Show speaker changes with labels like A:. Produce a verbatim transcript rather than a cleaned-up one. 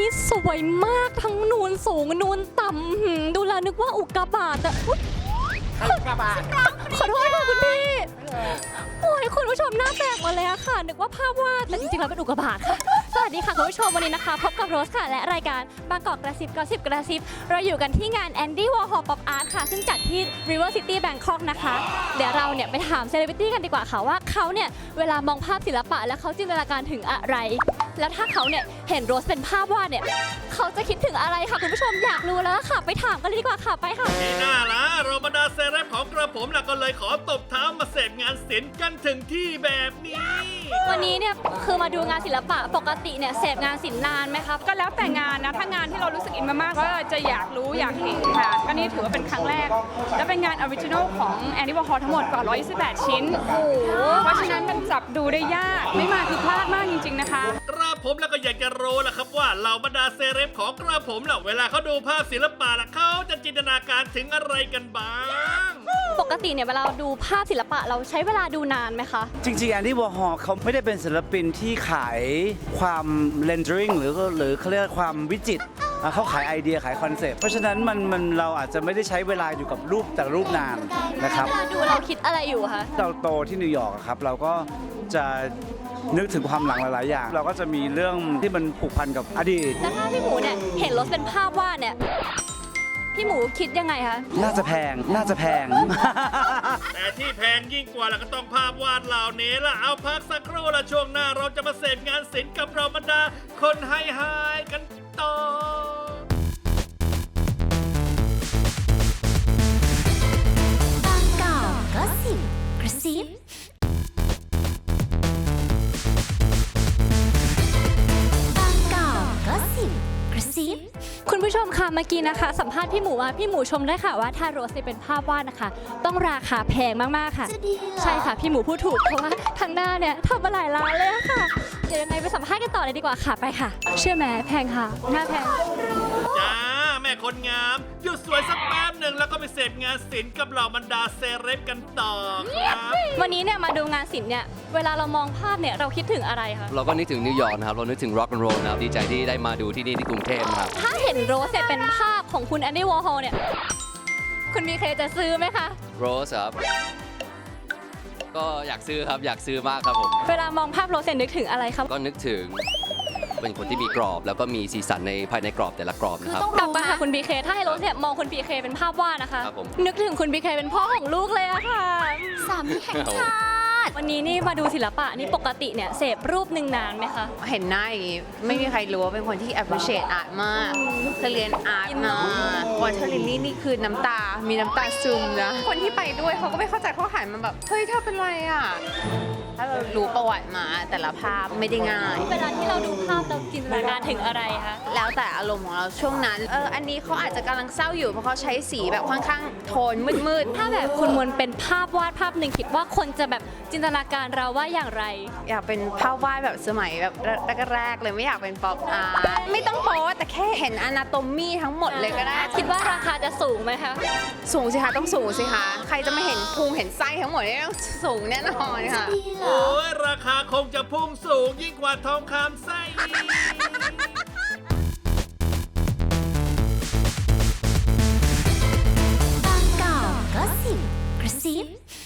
A: สวยมากทั้งนูนสูงนูนต่ำดูแลนึกว่าอุกกาบาตแต่อุกกาบาตขอโทษค่ะคุณพี่โอ้ยคุณผู้ชมหน้าแตกมาเลยอะค่ะนึกว่าภาพวาดแต่จริงๆแล้วเป็นอุกกาบาตค่ะสวัสดีค่ะคุณผู้ชมวันนี้นะคะพบกับโรสค่ะและรายการบางกอกกระซิบกระซิบกระซิบเราอยู่กันที่งาน Andy Warhol Pop Art ค่ะซึ่งจัดที่ River City Bangkok นะคะเดี๋ยวเราเนี่ยไปถามเซเลบริตี้กันดีกว่าค่ะว่าเขาเนี่ยเวลามองภาพศิลปะแล้วเขาจินตนาการถึงอะไรแล้วถ้าเขาเนี่ยเห็นโรสเป็นภาพวาดเนี่ยเขาจะคิดถึงอะไรค่ะคุณผู้ชมอยากรู้แล้วค่ะไปถามกันเลยดีกว่าค่ะไปค่ะ
B: นี่น่าละเราบรรดาเซเลบของกระผมล่ะก็เลยขอตบเท้ามาเสพงานศิลป์กันถึงที่แบบนี้
A: วันนี้เนี่ยคือมาดูงานศิลปะปกติเนี่ยเสพงานศิลป์นานไหมครับ
C: ก็แล้วแต่งานนะถ้างานที่เรารู้สึกอินมากๆก็จะอยากรู้อยากเห็นค่ะก็นี่ถือว่าเป็นครั้งแรกและเป็นงานออริจินอลของ Andy Warhol ทั้งหมดกว่าหนึ่งร้อยยี่สิบแปดชิ้นเพราะฉะนั้นมันจับดูได้ยากไม่มาคือพลาดมากจริงๆนะคะ
B: กระผมแล้วก็อยากจะรู้ล่ะครับว่าเหล่าบรรดาเซเลบของกระผมล่ะเวลาเขาดูภาพศิลปะล่ะเขาจะจินตนาการถึงอะไรกันบ้าง
A: ปกติเนี่ยเวลาดูภาพศิลปะเราใช้เวลาดูนานไหมคะ
D: จริงๆ Andy Warhol เขาไม่ได้เป็นศิลปินที่ขายความเรนเดอริงหรือหรือเขาเรียกความวิจิตรเขาขายไอเดียขายคอนเซปต์เพราะฉะนั้นมันมันเราอาจจะไม่ได้ใช้เวลาอยู่กับรูปแต่รูปนานนะครับ
A: เวลาดูเราคิดอะไรอยู่คะ
D: เราโตที่นิวยอร์กครับเราก็จะนึกถึงความหลังหลายๆอย่างเราก็จะมีเรื่องที่มันผูกพันกับอดีต
A: แล้วถ้าพี่หมูเนี่ยเห็นรถเป็นภาพวาดเนี่ยพี่หมูคิดยังไงคะ
D: น่าจะแพงน่าจะแพง
B: แต่ที่แพงยิ่งกว่าล่ะก็ต้องภาพวาดเหล่านี้ล่ะเอาพักสักครู่ละช่วงหน้าเราจะมาเสพงานศิลป์กับเราบรรดาคนไฮไฮกันต่อบ
E: างกอกก็สิบกระซิบางกอกก็สิบกระซิบ
A: คุณผู้ชมค่ะเมื่อกี้นะคะสัมภาษณ์พี่หมูมาพี่หมูชมได้ค่ะว่าถ้าโรสเป็นภาพวาดนะคะต้องราคาแพงมากๆค่ะใช่ค่ะพี่หมูพูดถูกเพราะว่าทางหน้าเนี่ยทำมาหลายล้านเลยค่ะเดี๋ยวยังไงไปสัมภาษณ์กันต่อเลยดีกว่าค่ะไปค่ะเชื่อไหมแพงค่ะหน้าแพง
B: จ้าแม่คนงามหยุดสวยสักแป๊บหนึ่งแล้วก็ไปเสพงานศิลป์กับเหล่าบรรดาเซเลบกันต่อครับ
A: วันนี้เนี่ยมาดูงานศิลป์เนี่ยเวลาเรามองภาพเนี่ยเราคิดถึงอะไรคะ
F: เราก็นึกถึงนิวยอร์กนะครับเรานึกถึงร็อกแอนด์โรลนะครับดีใจที่ได้มาดูที่นี่ที่กรุงเทพนะครับ
A: ถ้าเห็นโรสเป็นภาพของคุณแอนดี้วอร์ฮอลเนี่ยคุณมีใครจะซื้อไหมคะ
F: โรสครับก็อยากซื้อครับอยากซื้อมากครับผม
A: เวลามองภาพโรสนึกถึงอะไรครับ
F: ก็นึกถึงเป็นคนที่มีกรอบแล้วก็มีสีสันในภายในกรอบแต่ละกรอบนะครับ
A: กลับมาค่ะคุณบีเคถ้าให้โรสเนี่ยมองคุณบีเคเป็นภาพวาดนะคะนึกถึงคุณบีเคเป็นพ่อของลูกเลยอะค่ะ
E: สามีแห่งชาติ
A: วันนี้นี่มาดูศิลปะนี่ปกติเนี่ยเสพรูปหนึ่งนานไหมคะ
C: เห็นหน้าอย่างนี้ไม่มีใครรู้ว่าเป็นคนที่ appreciate art มากเธอเรียนอาร์ตนะวอเทอร์ลิลลี่นี่คือน้ำตามีน้ำตาซึมนะคนที่ไปด้วยเขาก็ไม่เข้าใจเขาหันมาแบบเฮ้ยเธอเป็นไรอ่ะถ้าเรารู้ประวัติมาแต่ละภาพไม่ได้ง่าย
A: เวลาที่เราดูภาพเราจินตนาการถึงอะไรคะ
C: แล้วแต่อารมณ์ของเราช่วงนั้นเอออันนี้เขาอาจจะกำลังเศร้าอยู่เพราะเขาใช้สีแบบค่อนข้างโทนมืด
A: ๆถ้าแบบคุณมนเป็นภาพวาดภาพหนึ่งคิดว่าคนจะแบบจินตนาการเราว่าอย่างไร
C: อยากเป็นภาพวาดแบบสมัยแบบแรกๆเลยไม่อยากเป็นป๊อปอาร์ตไม่ต้องโป๊แต่แค่เห็นอนาโตมีทั้งหมดเลยก็ได้
A: คิดว่าราคาจะสูงไหมคะ
C: สูงสิคะต้องสูงสิคะใครจะไม่เห็นพุงเห็นไส้ทั้งหมดนี่ต้องสูงแน่นอนค่ะ
B: โอ้ยราคาคงจะพุ่งสูงยิ่งกว่าทองคำไส้
E: บางกอกก็สิบกระซิบ